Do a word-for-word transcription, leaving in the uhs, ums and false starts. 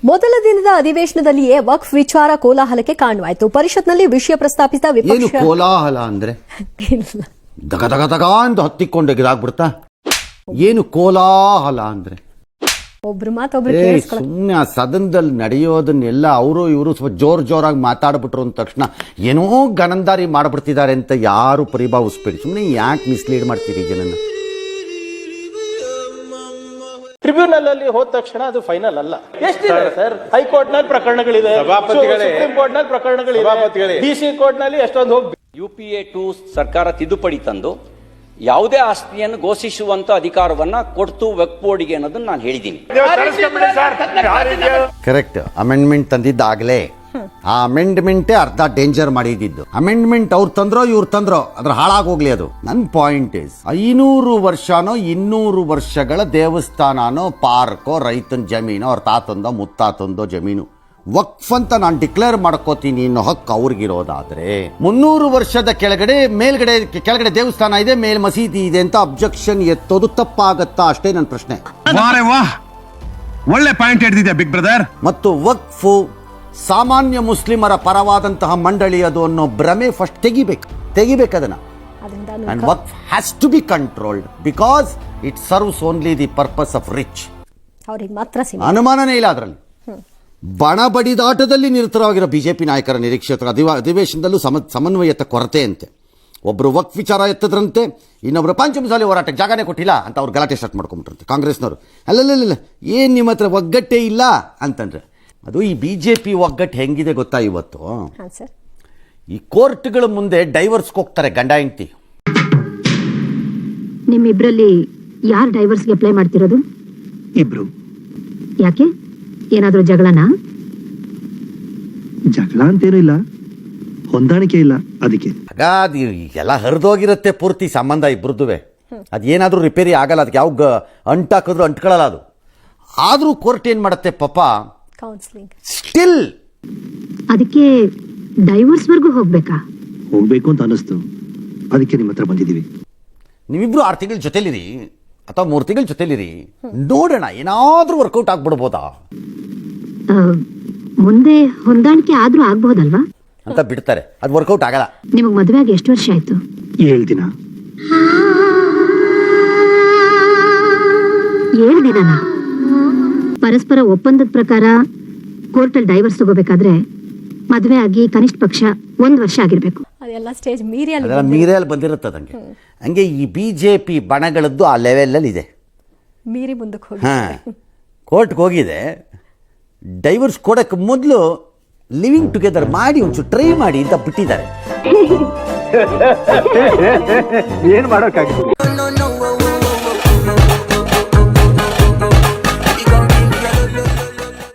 ಮೊದಲ ದಿನದ ಅಧಿವೇಶನದಲ್ಲಿಯೇ ವಕ್ಫ್ ವಿಚಾರ ಕೋಲಾಹಲಕ್ಕೆ ಕಾರಣವಾಯಿತು. ಪರಿಷತ್ನಲ್ಲಿ ವಿಷಯ ಪ್ರಸ್ತಾಪಿಸಿದ ವಿಪಕ್ಷ ಕೋಲಾಹಲ ಅಂದ್ರೆ ದಗ ದಗ ದಗ ಅಂತ ಹತ್ತಿಕೊಂಡು ಇದಾಗ್ಬಿಡ್ತಾ. ಏನು ಕೋಲಾಹಲ ಅಂದ್ರೆ ಒಬ್ರು ಮಾತೊಬ್ರು ಸುಮ್ಮನೆ ಆ ಸದನದಲ್ಲಿ ನಡೆಯೋದನ್ನೆಲ್ಲ ಅವರು ಇವರು ಸ್ವಲ್ಪ ಜೋರ್ ಜೋರಾಗಿ ಮಾತಾಡ್ಬಿಟ್ರು ಅಂದ ತಕ್ಷಣ ಏನೋ ಗನಂದಾರಿ ಮಾಡ್ಬಿಡ್ತಿದ್ದಾರೆ ಅಂತ ಯಾರು ಪರಿಭಾವಿಸ್ಬೇಡಿ. ಸುಮ್ಮನೆ ಯಾಕೆ ಮಿಸ್ಲೀಡ್ ಮಾಡ್ತೀರಿ ಜನನ? ಟ್ರಿಬ್ಯುನಲ್ ಅಲ್ಲಿ ಹೋದ ತಕ್ಷಣ ಅದು ಫೈನಲ್ ಅಲ್ಲ. ಎಷ್ಟಿದೆ ಸರ್? ಹೈಕೋರ್ಟ್ ನಲ್ಲಿ ಪ್ರಕರಣಗಳಿದೆ, ಸುಪ್ರೀಂ ಕೋರ್ಟ್ ನಲ್ಲಿ ಪ್ರಕರಣಗಳಿದೆ, ಡಿಸಿ ಕೋರ್ಟ್ ನಲ್ಲಿ ಎಷ್ಟೊಂದು ಹೋಗಿ ಯು ಪಿ ಎ ಟು ಸರ್ಕಾರ ತಿದ್ದುಪಡಿ ತಂದು ಯಾವುದೇ ಆಸ್ತಿಯನ್ನು ಘೋಷಿಸುವಂತ ಅಧಿಕಾರವನ್ನ ಕೊಡ್ತು ವಕ್ಫ್ ಬೋರ್ಡ್ಗೆ ಅನ್ನೋದನ್ನ ನಾನು ಹೇಳಿದ್ದೀನಿ. ಕರೆಕ್ಟ್. ಅಮೆಂಡ್ಮೆಂಟ್ ತಂದಿದ್ದಾಗಲೇ ಆ ಅಮೆಂಡ್ಮೆಂಟೇ ಅರ್ಧ ಡೇಂಜರ್ ಮಾಡಿದ್ದು. ಅಮೆಂಡ್ಮೆಂಟ್ ಅವ್ರು ತಂದ್ರೋ ಇವ್ರು ತಂದ್ರೋ ಅದ್ರ ಹಾಳಾಗೋಗ್ಲಿ. ಅದು ನನ್ನ ಪಾಯಿಂಟ್ ಇಸ್, ಐನೂರು ವರ್ಷನೋ ಇನ್ನೂರು ವರ್ಷಗಳ ದೇವಸ್ಥಾನನೋ ಪಾರ್ಕೋ ರೈತನ ಜಮೀನೋ ಅವ್ರ ತಾತಂದೋ ಮುತ್ತಾತಂದೋ ಜಮೀನು ವಕ್ಫ್ ಅಂತ ನಾನು ಡಿಕ್ಲೇರ್ ಮಾಡ್ಕೋತೀನಿ ಅನ್ನೋ ಹಕ್ಕು ಅವ್ರಿಗಿರೋದಾದ್ರೆ, ಮುನ್ನೂರು ವರ್ಷದ ಕೆಳಗಡೆ ಮೇಲ್ಗಡೆ ಕೆಳಗಡೆ ದೇವಸ್ಥಾನ ಇದೆ, ಮೇಲ್ ಮಸೀದಿ ಇದೆ ಅಂತ ಅಬ್ಜೆಕ್ಷನ್ ಎತ್ತೋದು ತಪ್ಪಾಗತ್ತಾ? ಅಷ್ಟೇ ನನ್ನ ಪ್ರಶ್ನೆ. ಒಳ್ಳೆ ಪಾಯಿಂಟ್ ಹಿಡಿದಿದೆ ಬಿಗ್ ಬ್ರದರ್. ಮತ್ತು ವಕ್ಫು ಸಾಮಾನ್ಯ ಮುಸ್ಲಿಮರ ಪರವಾದಂತಹ ಮಂಡಳಿ ಅದು ಅನ್ನೋ ಭ್ರಮೆ ಫಸ್ಟ್ ತೆಗಿಬೇಕು ತೆಗಿಬೇಕು ಅದನ್ನ. And waqf has to be controlled because it serves only the purpose of rich. ಅನುಮಾನನೇ ಇಲ್ಲ ಅದರಲ್ಲಿ. ಬಣ ಬಡಿದಾಟದಲ್ಲಿ ನಿರತರಾಗಿರೋ ಬಿಜೆಪಿ ನಾಯಕರ ನಿರೀಕ್ಷಿತರ ಅಧಿವೇಶನದಲ್ಲೂ ಸಮ ಸಮನ್ವಯತೆ ಕೊರತೆ ಅಂತೆ. ಒಬ್ರು ವಕ್ಫ್ ವಿಚಾರ ಎತ್ತದ್ರಂತೆ, ಇನ್ನೊಬ್ರು ಪಂಚಮಸಾಲಿ ಹೋರಾಟಕ್ಕೆ ಜಾಗನೇ ಕೊಟ್ಟಿಲ್ಲ ಅಂತ ಅವ್ರು ಗಲಾಟೆ ಸ್ಟಾರ್ಟ್ ಮಾಡ್ಕೊಂಡ್ಬಿಟ್ರಂತೆ ಕಾಂಗ್ರೆಸ್ನವರು. ಅಲ್ಲಲ್ಲ ಏನ್ ನಿಮ್ಮ ಹತ್ರ ಒಗ್ಗಟ್ಟೆ ಇಲ್ಲ ಅಂತಂದ್ರೆ, ಅದು ಈ ಬಿಜೆಪಿ ಒಗ್ಗಟ್ಟು ಹೆಂಗಿದೆ ಗೊತ್ತಾ? ಇವತ್ತು ಈ ಕೋರ್ಟ್ಗಳ ಮುಂದೆ ಡೈವರ್ಸ್ಗೆ ಹೋಗ್ತಾರೆ ಗಂಡ ಹೆಂಡತಿ. ನಿಮ್ಮಿಬ್ರಲ್ಲಿ ಯಾರು ಡೈವರ್ಸ್ಗೆ ಅಪ್ಲೈ ಮಾಡ್ತಿರೋದು? ಇಬ್ರು. ಯಾಕೆ? ಏನಾದ್ರೂ ಜಗಳನಾ? ಜಗಳ ಅಂತೇನೂ ಇಲ್ಲ, ಹೊಂದಾಣಿಕೆ ಇಲ್ಲ, ಅದಕ್ಕೆ. ಆಗ ಅದು ಎಲ್ಲ ಹರಿದೋಗಿರುತ್ತೆ ಪೂರ್ತಿ ಸಂಬಂಧ ಇಬ್ರದ್ದುವೆ. ಅದೇನಾದ್ರೂ ರಿಪೇರಿ ಆಗಲ್ಲ, ಅದಕ್ಕೆ ಯಾವ ಅಂಟಾಕಿದ್ರು ಅಂಟ್ಕೊಳ್ಳಲ್ಲ ಅದು. ಆದ್ರೂ ಕೋರ್ಟ್ ಏನ್ ಮಾಡುತ್ತೆ ಪಾಪ, ಸ್ಟಿಲ್ ಅದಕ್ಕೆ ಡೈವರ್ಸ್ ವರ್ಗೂ ಹೋಗ್ಬೇಕಾ? ಹೋಗ್ಬೇಕು ಅಂತ ಅನಿಸ್ತು, ಅದಕ್ಕೆ ನಿಮ್ಮ ಹತ್ರ ಬಂದಿದ್ದೀವಿ. ನೀವಿಬ್ರು ಆರು ತಿಂಗಳ ಜೊತೆಲಿರಿ ಅಥವಾ ಮೂರು ತಿಂಗಳ ಜೊತೆಲಿರಿ, ನೋಡೋಣ ಏನಾದ್ರೂ ವರ್ಕೌಟ್ ಆಗ್ಬಿಡ್ಬೋದಾ ಮುಂದೆ. ಹೊಂದಾಣಿಕೆ ಆದ್ರೂ ಆಗ್ಬಹುದಲ್ವಾ ಅಂತ ಬಿಡ್ತಾರೆ. ಅದು ವರ್ಕೌಟ್ ಆಗಲ್ಲ. ನಿಮಗ್ ಮದುವೆ ಆಗಿ ಎಷ್ಟು ವರ್ಷ ಆಯ್ತು? ಏಳು ದಿನ. ಏಳು ದಿನನಾ? ಪರಸ್ಪರ ಒಪ್ಪಂದದ ಪ್ರಕಾರ ಕೋರ್ಟಲ್ಲಿ ಡೈವರ್ಸ್ ತಗೋಬೇಕಾದ್ರೆ ಮದುವೆ ಆಗಿ ಕನಿಷ್ಠ ಪಕ್ಷ ಒಂದ್ ವರ್ಷ ಆಗಿರ್ಬೇಕು. ಅದೆಲ್ಲ ಸ್ಟೇಜ್ ಮೀರಿಯಲ್ಲಿ ಮೀರಿಯಲ್ಲಿ ಬಂದಿರುತ್ತೆ. ಹಂಗೆ ಹಂಗೆ ಈ ಬಿಜೆಪಿ ಬಣಗಳದ್ದು ಆ ಲೆವೆಲ್ ಇದೆ. ಮೀರಿ ಮುಂದಕ್ಕೆ ಹೋಗಿ ಹಾ ಕೋರ್ಟ್ಗೆ ಹೋಗಿದೆ. ಡೈವರ್ಸ್ ಕೊಡಕ್ಕೆ ಮೊದಲು ಲಿವಿಂಗ್ ಟುಗೆದರ್ ಮಾಡಿ ಒಂಚೂರು ಟ್ರೈ ಮಾಡಿ ಅಂತ ಬಿಟ್ಟಿದ್ದಾರೆ. ಏನ್ ಮಾಡೋಕ್ಕಾಗುತ್ತೆ?